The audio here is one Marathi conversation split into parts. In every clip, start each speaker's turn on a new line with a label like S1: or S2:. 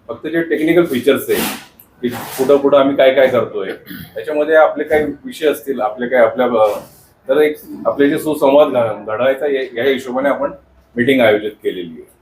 S1: फक्त जे टेक्निकल फीचर्स आहे की कुठं कुठं आम्ही काय काय करतोय त्याच्यामध्ये आपले काही विषय असतील, आपले काय आपल्या तर एक आपले जे सुसंवाद घडवायचा या हिशोबाने आपण मीटिंग आयोजित केलेली आहे.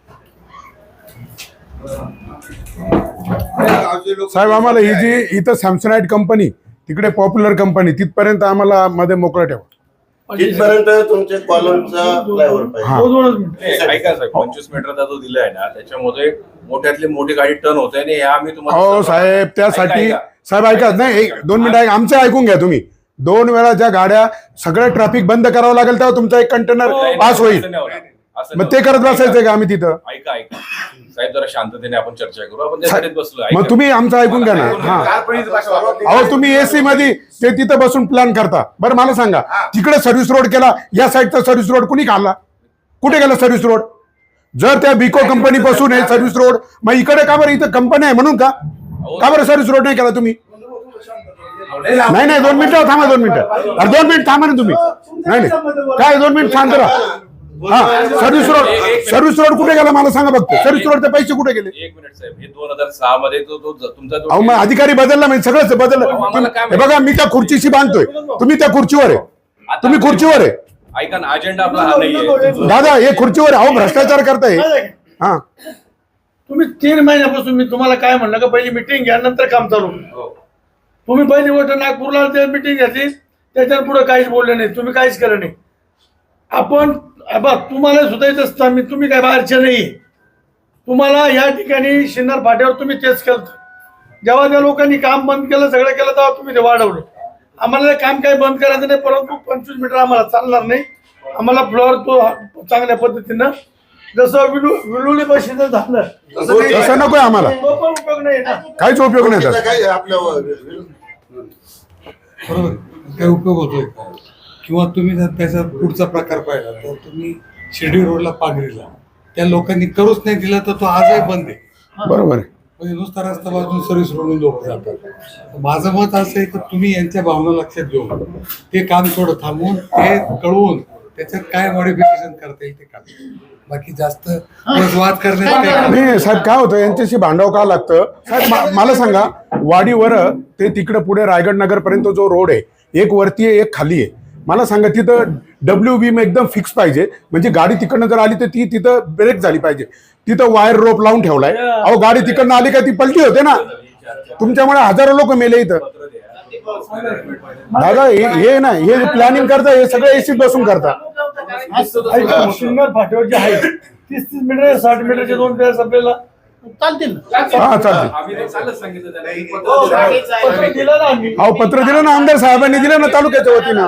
S2: साहेब आम्हाला ही जी इथं सॅमसनाइट कंपनी तिकडे पॉप्युलर कंपनी तिथपर्यंत आम्हाला मध्ये मोकळं ठेवा.
S3: तिथपर्यंत तुमच्या कॉलमचा फ्लायओव्हर पाहिजे.
S1: ऐका साहेब, 25 मीटरचा जो दिलाय ना त्याच्यामध्ये मोठ्यातली मोठी गाडी टर्न होते आणि ह्या आम्ही
S2: हो साहेब त्यासाठी साहेब ऐका नाही 2 मिनिटं आमचं ऐकून घ्या तुम्ही. 2 वेळा ज्या गाड्या सगळं ट्रॅफिक बंद करावं लागेल तेव्हा तुमचा एक कंटेनर पास होईल. मग ते करत बसायचंय का आम्ही तिथं?
S1: ऐका साहेब, जरा शांततेने आपण चर्चा करू. आपण त्यासाठीच बसलो.
S2: मग तुम्ही आमचं ऐकून घ्या ना. हा अहो तुम्ही एसी मध्ये ते तिथं बसून प्लॅन करता. बरं मला सांगा, तिकडे सर्व्हिस रोड केला, या साईडचा सर्व्हिस रोड कुणी काढला? कुठे गेला सर्व्हिस रोड? जर त्या बिको कंपनी पासून आहे सर्व्हिस रोड, मग इकडे का बरं? इथं कंपनी आहे म्हणून का बरं सर्व्हिस रोड नाही केला तुम्ही? नाही 2 मिनिटं थांबा. 2 मिनिटं अरे 2 मिनिट थांबा ना तुम्ही. नाही काय 2 मिनिट शांत राहा. हा सर्व्हिस रोड कुठे गेला मला सांगा फक्त. सर्व्हिस रोडचे पैसे कुठे गेले?
S1: 1 मिनिट साहेब, हे 2006 मध्ये तुमचा
S2: अहो मग अधिकारी बदलला म्हणजे सगळंच बदललं. हे बघा मी त्या खुर्चीशी बांधतोय, तुम्ही त्या खुर्चीवर आहे. तुम्ही खुर्चीवर आहे.
S1: ऐका ना, अजेंडा आपला हा नाहीये
S2: दादा हे खुर्चीवर आहे. अहो भ्रष्टाचार करताय. हा
S4: तुम्ही 3 महिन्यापासून मी तुम्हाला काय म्हणलं का पहिली मिटिंग घ्या नंतर काम चालू. तुम्ही पहिली गोष्ट नागपूरला ते मिटिंग घेतली, त्याच्यावर पुढे काहीच बोलले नाही, तुम्ही काहीच केलं नाही. आपण तुम्हाला सुद्धा येत असता मी, तुम्ही काय बाहेरचे नाही. तुम्हाला या ठिकाणी शिन्नर फाट्यावर तुम्ही तेच केलं. जेव्हा त्या लोकांनी काम बंद केलं, सगळं केलं, तेव्हा तुम्ही ते वाढवलं. आम्हाला काम काही बंद करायचं नाही, परंतु 25 मीटर आम्हाला चालणार नाही. आम्हाला फ्लोअर तो चांगल्या पद्धतीनं जसं विलुली बशीचं झालं
S2: तसं नकोय आम्हाला.
S4: तो पण उपयोग नाही ना.
S2: काहीच उपयोग नाही त्याचा.
S3: काय आपल्यावर
S5: बरोबर काय उपयोग होतोय का? किंवा तुम्ही जर त्याचा पुढचा प्रकार पाहिला तर तुम्ही शिर्डी रोडला पागरीला त्या लोकांनी करूच नाही दिला तर तो आजही बंद आहे.
S2: बरोबर आहे.
S5: म्हणजे नुसता रस्ता बाजून सर्व्हिस रोडून लोक जातात. माझं मत असं आहे की तुम्ही यांच्या भावना लक्षात घेऊन ते काम थोडं थांबवून ते कळवून त्याच्यात काय मॉडिफिकेशन करता येईल ते करा. बाकी जास्त वाद करण्यात
S2: नाही साहेब काय होतं यांच्याशी भांडावं का लागतं साहेब? मला सांगा, वाडीवर ते तिकडे पुढे रायगड नगर पर्यंत जो रोड आहे, एक वरती आहे एक खाली आहे. मला सांगा तिथं WB एकदम फिक्स पाहिजे. म्हणजे गाडी तिकडनं जर आली तर ती तिथं ब्रेक झाली पाहिजे. तिथं वायर रोप लावून ठेवलाय. अहो गाडी तिकडनं आली का ती पलटी होते ना. तुमच्यामुळे हजारो लोक मेले इथं. दादा हे ना हे प्लॅनिंग करता, हे सगळं एसीत बसून करता.
S4: शिन्नर फाट्यावर जे आहे 30 मीटर 60 मीटरचे 2 पेअर्स आपल्याला चालतील.
S2: हा चालते.
S4: पत्र दिलं ना आम्ही.
S2: अहो पत्र दिलं ना, आमदार साहेबांनी दिलं ना तालुक्याच्या वतीनं.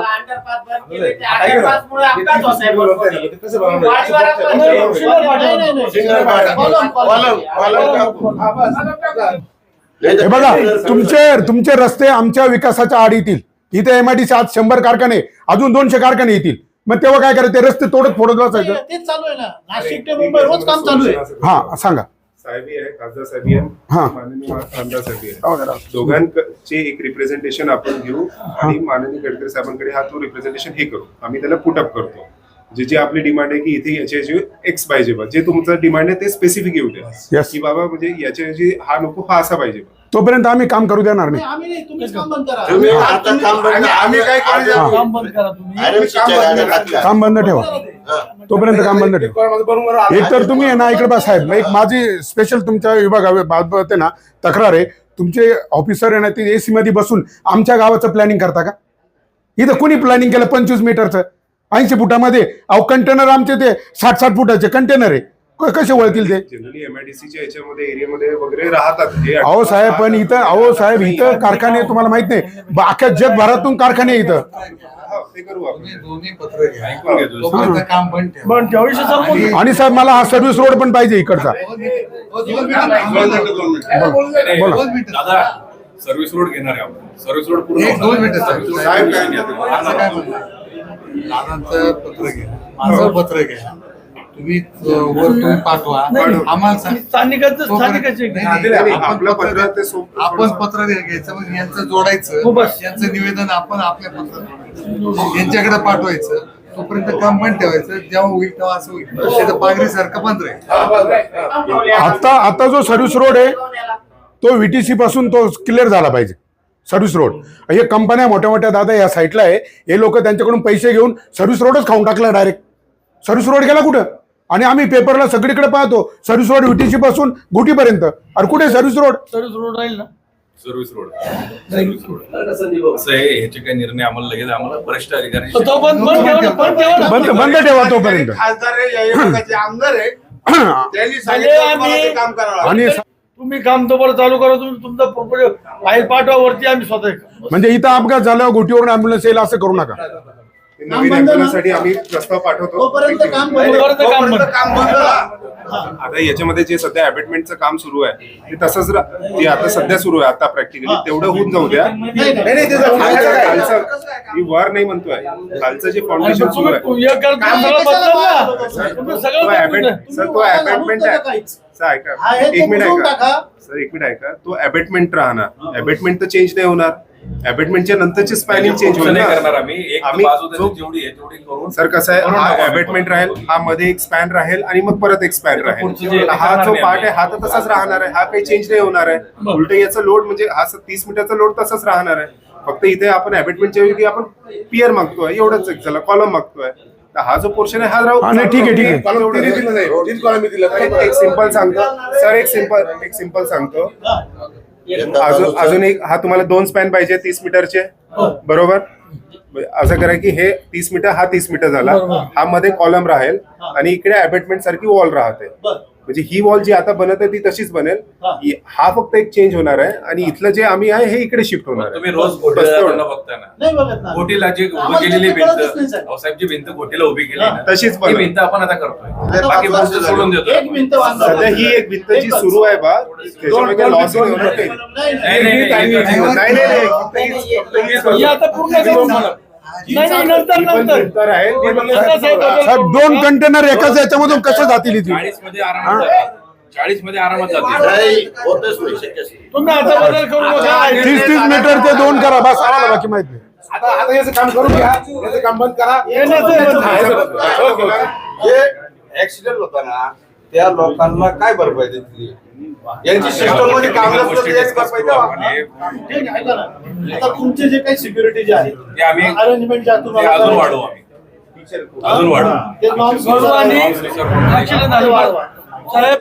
S2: हे बघा तुमचे रस्ते आमच्या विकासाच्या आड येतील. इथे MIDC आज 100 कारखाने, अजून 200 कारखाने येतील. मग तेव्हा काय करायचं? रस्ते तोडत फोडत बसायचं.
S4: तेच चालू आहे ना. नाशिक ते मुंबई रोज काम चालू आहे.
S2: हा सांगा.
S6: साहेबी आहे, खासदार साहेबी आहे, माननीय आमदार साहेबी आहे. दोघांचे एक रिप्रेझेंटेशन आपण घेऊ आणि माननीय गडकरी साहेबांकडे हा तो रिप्रेझेंटेशन हे करू. आम्ही त्याला पुटअप करतो. जी आपली डिमांड आहे की इथे याचे एक्स पाहिजे बा, जे तुमचं डिमांड आहे ते स्पेसिफिक येऊ द्या की बाबा म्हणजे याच्या हा नको हा असा पाहिजे. तोपर्यंत
S2: आम्ही काम करू देणार नाही.
S4: आम्ही नाही, तुम्हीच काम बंद करा.
S3: तुम्ही आता काम बंद
S6: आम्ही काय करू?
S4: काम बंद करा तुम्ही.
S2: काम बंद ठेवा. तोपर्यंत काम बंद ठेवा. एक तर तुम्ही आहे ना इकडे बा साहेब, एक माझी स्पेशल तुमच्या विभागाबाबत ना तक्रार आहे. तुमचे ऑफिसर आहे ना ते एसी मध्ये बसून आमच्या गावाचं प्लॅनिंग करता का? इथं कुणी प्लॅनिंग केलं 25 मीटरचं 80 फुटामध्ये? अहो कंटेनर आमचे ते 60-60 फुटाचे कंटेनर आहे. कसे वळतील ते?
S6: जनरली MIDCच्या याच्यामध्ये एरियामध्ये वगैरे राहतात.
S2: अहो साहेब पण इथं, अहो साहेब इथं कारखाने तुम्हाला माहित नाही, अख्ख्या जगभरातून कारखाने इथं.
S6: ते करू आपण.
S5: दोन्ही पत्र घ्या, काम बंद ठेवा.
S4: पण त्यावेळेस संपून
S2: आणि साहेब मला हा सर्व्हिस रोड पण पाहिजे इकडचा.
S1: दादा सर्व्हिस रोड घेणार आहे आपण. सर्व्हिस रोड पूर्ण
S5: 2 मिनिटं
S6: साहेब काय
S5: दादांचं पत्र घ्या, माझं पत्र घ्या, तुम्ही तुम्ही पाठवा आम्हाला
S4: स्थानिकांचं स्थानिकाचे
S6: आपलं पत्र ते
S5: आपण पत्र घ्यायचं, मग यांचं जोडायचं, यांचं निवेदन आपण आपल्या पत्र यांच्याकडे पाठवायचं. तोपर्यंत काम बंद ठेवायचं, जेव्हा होईल तेव्हा असं होईल, त्याचं पागरी सारखं बंद राहील.
S2: आता जो सर्व्हिस रोड आहे तो व्हीटीसी पासून तो क्लिअर झाला पाहिजे. सर्व्हिस रोड हे कंपन्या मोठ्या मोठ्या दादा या साईडला आहे, हे लोक त्यांच्याकडून पैसे घेऊन सर्व्हिस रोडच खाऊन टाकला डायरेक्ट. सर्व्हिस रोड गेला कुठं? आणि आम्ही पेपरला सगळीकडे पाहतो सर्व्हिस रोड व्हीटीसी पासून गुटीपर्यंत. अरे कुठे सर्व्हिस रोड?
S4: सर्व्हिस रोड राहील ना.
S1: सर्व्हिस रोड असं आहे, ह्याचे काही निर्णय आम्हाला लगेच आम्हाला वरिष्ठ अधिकारी
S4: तो बंद ठेवा ना, बंद ठेवा ना.
S2: बंद ठेवा तोपर्यंत.
S3: खासदार आहे, या विभागाचे आमदार आहे, त्यांनी सांगितलं तुम्हाला ते काम करावं.
S2: आणि
S4: तुम्ही काम तोपर्यंत चालू करा. तुम्ही तुमचं फाईल पाठवा वरती, आम्ही स्वतः.
S2: म्हणजे इथं अपघात झाल्यावर गोटीवरून ऍम्ब्युलन्स येईल असं करू नका.
S6: नवीन ॲम्ब्युलन्ससाठी आम्ही प्रस्ताव पाठवतो.
S3: तोपर्यंत काम
S4: नाही,
S3: बंद.
S4: तोपर्यंत काम
S3: तोपर्यंत
S4: बंद.
S3: काम बंद करा.
S6: आता याच्यामध्ये जे सध्या अबॅटमेंटचं काम सुरू आहे ते तसंच ते आता सध्या सुरू आहे. आता प्रॅक्टिकली तेवढं होऊन जाऊ द्या. खालचं मी वर नाही म्हणतोय, खालचं जे फाउंडेशन सुरू आहे
S4: तुम्ही एक करता, सगळं बदललं ना. तुम्ही सगळं बदललं.
S6: तो अबॅटमेंट आहे. सर ऐका, एक मिनिट ऐका सर, एक मिनिट ऐका. तो अबॅटमेंट राहणार, अबॅटमेंट तर चेंज नाही होणार. अबॅटमेंटच्या नंतरची स्पॅनिंग चेंज होईल
S1: नाही
S6: ना.
S1: करणार आम्ही. एक
S6: आम्ही
S1: बाजू
S6: जो-
S1: जेवढी आहे तेवढी करून
S6: सर कसं आहे, हा अबॅटमेंट राहील, हा मध्ये एक स्पॅन राहील आणि मग परत एक स्पॅन
S1: पुढचं जे
S6: राहील. हा
S1: करणार
S6: जो
S1: नाही
S6: पार्ट आहे
S1: आम्ही.
S6: हा तर तसाच राहणार आहे, हा काही चेंज नाही होणार आहे. उलट याचा लोड म्हणजे हा 30 मीटरचा लोड तसाच राहणार आहे. फक्त इथे आपण अबॅटमेंटच्या ऐवजी आपण पियर मागतोय, एवढंच एक झालं, कॉलम मागतोय. तर हा जो पोर्शन आहे हा राहू.
S2: हा, नाही, ठीक आहे, ठीक आहे.
S6: एक सिंपल सांगतो सर, एक सिंपल सांगतो. अजून एक, हा तुम्हाला 2 स्पॅन पाहिजे 30 मीटरचे, बरोबर? असं करा की हे 30 मीटर, हा 30 मीटर झाला, हा मध्ये कॉलम राहील आणि इकडे अबॅटमेंट सारखी वॉल राहते. म्हणजे ही वॉल जी आता बनत आहे ती तशीच बनेल. हा फक्त एक चेंज होणार आहे आणि इथलं जे आम्ही आहे हे इकडे शिफ्ट होणार
S1: तुम्ही
S6: आहे.
S1: रोज घोटीला बघता ना, घोटीला जी उभी केलेली भिंत, भाऊसाहेब जी भिंत घोटीला उभी केली ना,
S6: तशीच
S1: ती
S6: बनव.
S1: भिंत आपण आता करतोय. बाकी गोष्ट सोडून देतो.
S6: सध्या ही एक भिंत जी सुरू आहे बा, त्याच्यामध्ये लॉस होणार काही. नाही, फक्त हीच-
S4: हे आता पूर्ण करून मला. नाही, नाही, नंतर
S6: ही पण
S4: नंतर
S6: भिंत राहील, ती पण
S2: साहेब 2 कंटेनर एकाच याच्यामधून कसं जातील इथे?
S1: 40 मध्ये आरामात जातील. 40 मध्ये आरामात जातील.
S3: नाही, होतच नाही, शक्यच नाही.
S4: तुम्ही आता बदल करू नका.
S2: 30 मीटरचे 2 करा बस, आम्हाला बाकी माहित नाही.
S7: आता याचं काम करून घ्या, याचं काम बंद करा.
S4: हे नसेल बदल.
S7: जे ऍक्सिडेंट होता ना त्या लोकांना काय भरपाई देतली? यांची सिस्टम मध्ये काम नसतं तर याची भरपाई द्यावा.
S4: ठीक आहे, ऐका ना. आता तुमचे जे काही सिक्युरिटी जे आहे
S1: ते आम्ही
S4: अरेंजमेंट जे आहे
S1: ते
S4: तुम्हाला
S1: अजून वाढवू आम्ही. अजून वाढवू.
S4: ते नॉर्म्स वाढवा आणि ऍक्सिडेंट झाले वाढवा. साहेब